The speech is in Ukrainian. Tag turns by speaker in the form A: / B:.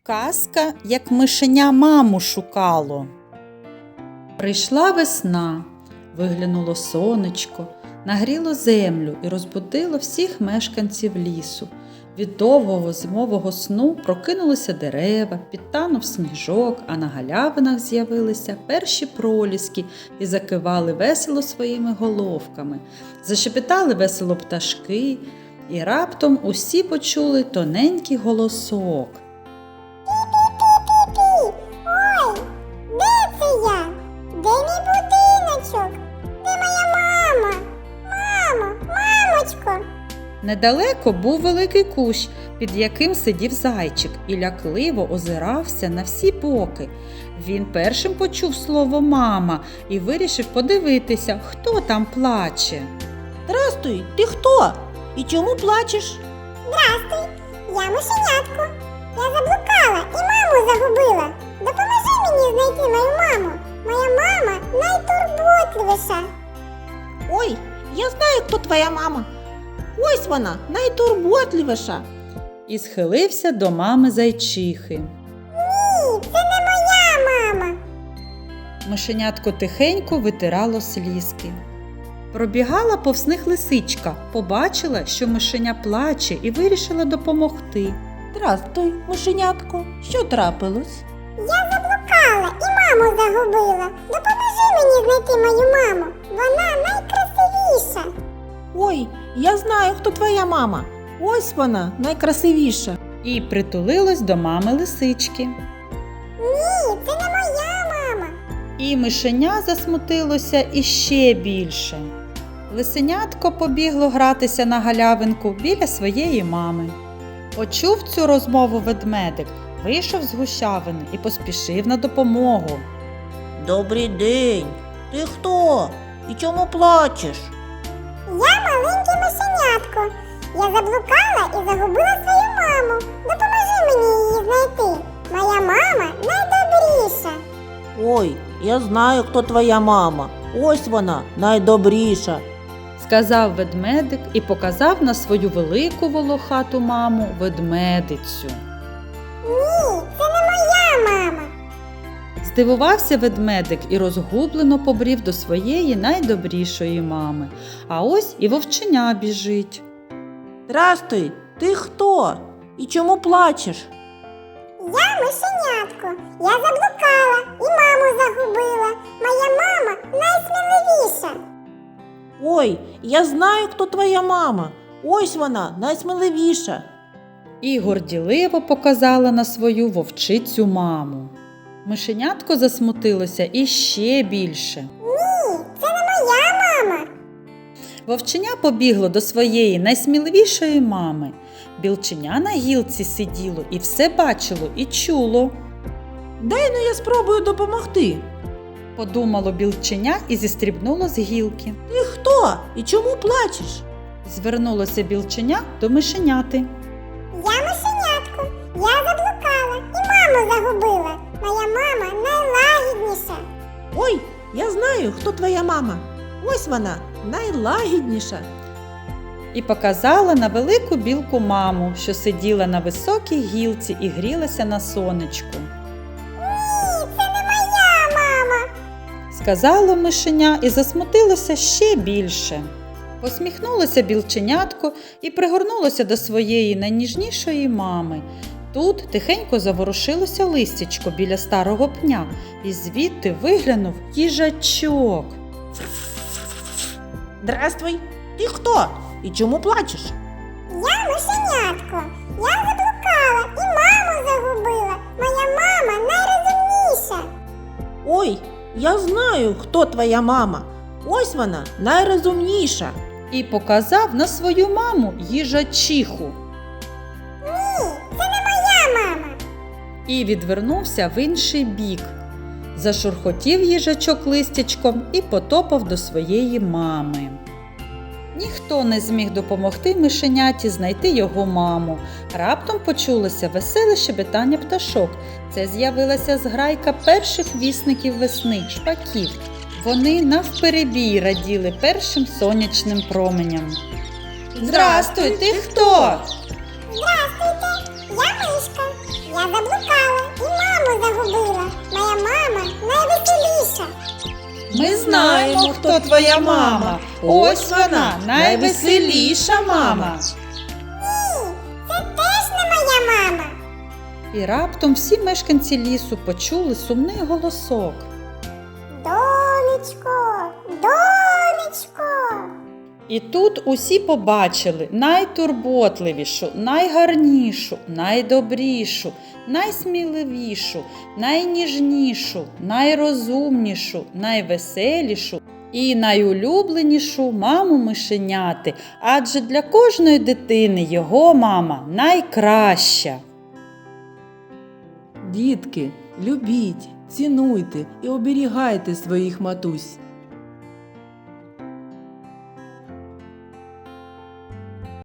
A: Казка, як мишеня маму шукало. Прийшла весна, виглянуло сонечко, нагріло землю і розбудило всіх мешканців лісу. Від довгого зимового сну прокинулися дерева, підтанув сніжок, а на галявинах з'явилися перші проліски і закивали весело своїми головками. Зашепітали весело пташки, і раптом усі почули тоненький голосок.
B: Пі-пі-пі-пі-пі! Ой, де це я? Де мій будиночок? Де моя мама? Мамо, мамочко!
A: Недалеко був великий кущ, під яким сидів зайчик і лякливо озирався на всі боки. Він першим почув слово «мама» і вирішив подивитися, хто там плаче.
C: Здрастуй, ти хто? І чому плачеш?
B: Здрастуй, я мишенятко. Я заблукала і маму загубила. Допоможи мені знайти мою маму. Моя мама найтурботливіша.
C: Ой, я знаю, хто твоя мама. Ось вона, найтурботливіша.
A: І схилився до мами зайчихи.
B: Ні, це не моя мама.
A: Мишенятко тихенько витирало слізки. Пробігала повз них лисичка, побачила, що мишеня плаче, і вирішила допомогти.
C: Здрастуй, мишенятко. Що трапилось?
B: Я заблукала і маму загубила. Допоможи мені знайти мою маму. Вона найкрасивіша.
C: Ой, я знаю, хто твоя мама. Ось вона, найкрасивіша.
A: І притулилась до мами лисички.
B: Ні, це не моя мама.
A: І мишеня засмутилося іще більше. Лисенятко побігло гратися на галявинку біля своєї мами. Почув цю розмову ведмедик, вийшов з гущавини і поспішив на допомогу.
C: Добрий день. Ти хто? І чому плачеш?
B: Я маленьке мишенятко. Я заблукала і загубила свою маму. Допоможи мені її знайти. Моя мама найдобріша.
C: Ой, я знаю, хто твоя мама. Ось вона, найдобріша.
A: Сказав ведмедик і показав на свою велику волохату маму ведмедицю.
B: Ні, це не моя мама.
A: Здивувався ведмедик і розгублено побрів до своєї найдобрішої мами. А ось і вовченя біжить.
C: Здрастуй, ти хто? І чому плачеш?
B: Я мишенятко. Я заблукала і маму загубила. Моя мама найсміливіша.
C: Ой, я знаю, хто твоя мама. Ось вона, найсміливіша.
A: І горділиво показала на свою вовчицю маму. Мишенятко засмутилося іще більше.
B: Ні, це не моя мама.
A: Вовченя побігло до своєї найсміливішої мами. Білченя на гілці сиділо і все бачило і чуло.
C: Дай я спробую допомогти.
A: Подумало білченя і зістрибнуло з гілки.
C: Ти хто? І чому плачеш?
A: Звернулося білченя до мишеняти.
B: Я мишенятко. Я заблукала і маму загубила. Моя мама найлагідніша.
C: Ой, я знаю, хто твоя мама. Ось вона, найлагідніша.
A: І показала на велику білку маму, що сиділа на високій гілці і грілася на сонечку.
B: Ні, це не моя мама.
A: Сказало мишеня і засмутилося ще більше. Посміхнулося білченятко і пригорнулося до своєї найніжнішої мами. Тут тихенько заворушилося листячко біля старого пня, і звідти виглянув їжачок.
C: Здрастуй, ти хто? І чому плачеш?
B: Я мишенятко. Я заблукала і маму загубила. Моя мама найрозумніша.
C: Ой, я знаю, хто твоя мама. Ось вона, найрозумніша.
A: І показав на свою маму їжачиху.
B: Ні, це не моя мама.
A: І відвернувся в інший бік. Зашурхотів їжачок листячком і потопав до своєї мами. Ніхто не зміг допомогти мишеняті знайти його маму. Раптом почулося веселе щебетання пташок. Це з'явилася зграйка перших вісників весни – шпаків. Вони навперебій раділи першим сонячним променям. «Здрастуй, ти хто?»
B: Здравствуйте, я мишка. Я заблукала
A: Ми знаємо, хто твоя мама. Ось вона, найвеселіша мама.
B: Ні, це теж не моя мама.
A: І раптом всі мешканці лісу почули сумний голосок.
B: Донечко, донечко.
A: І тут усі побачили найтурботливішу, найгарнішу, найдобрішу, найсміливішу, найніжнішу, найрозумнішу, найвеселішу і найулюбленішу маму мишеняти, адже для кожної дитини його мама найкраща.
D: Дітки, любіть, цінуйте і оберігайте своїх матусь.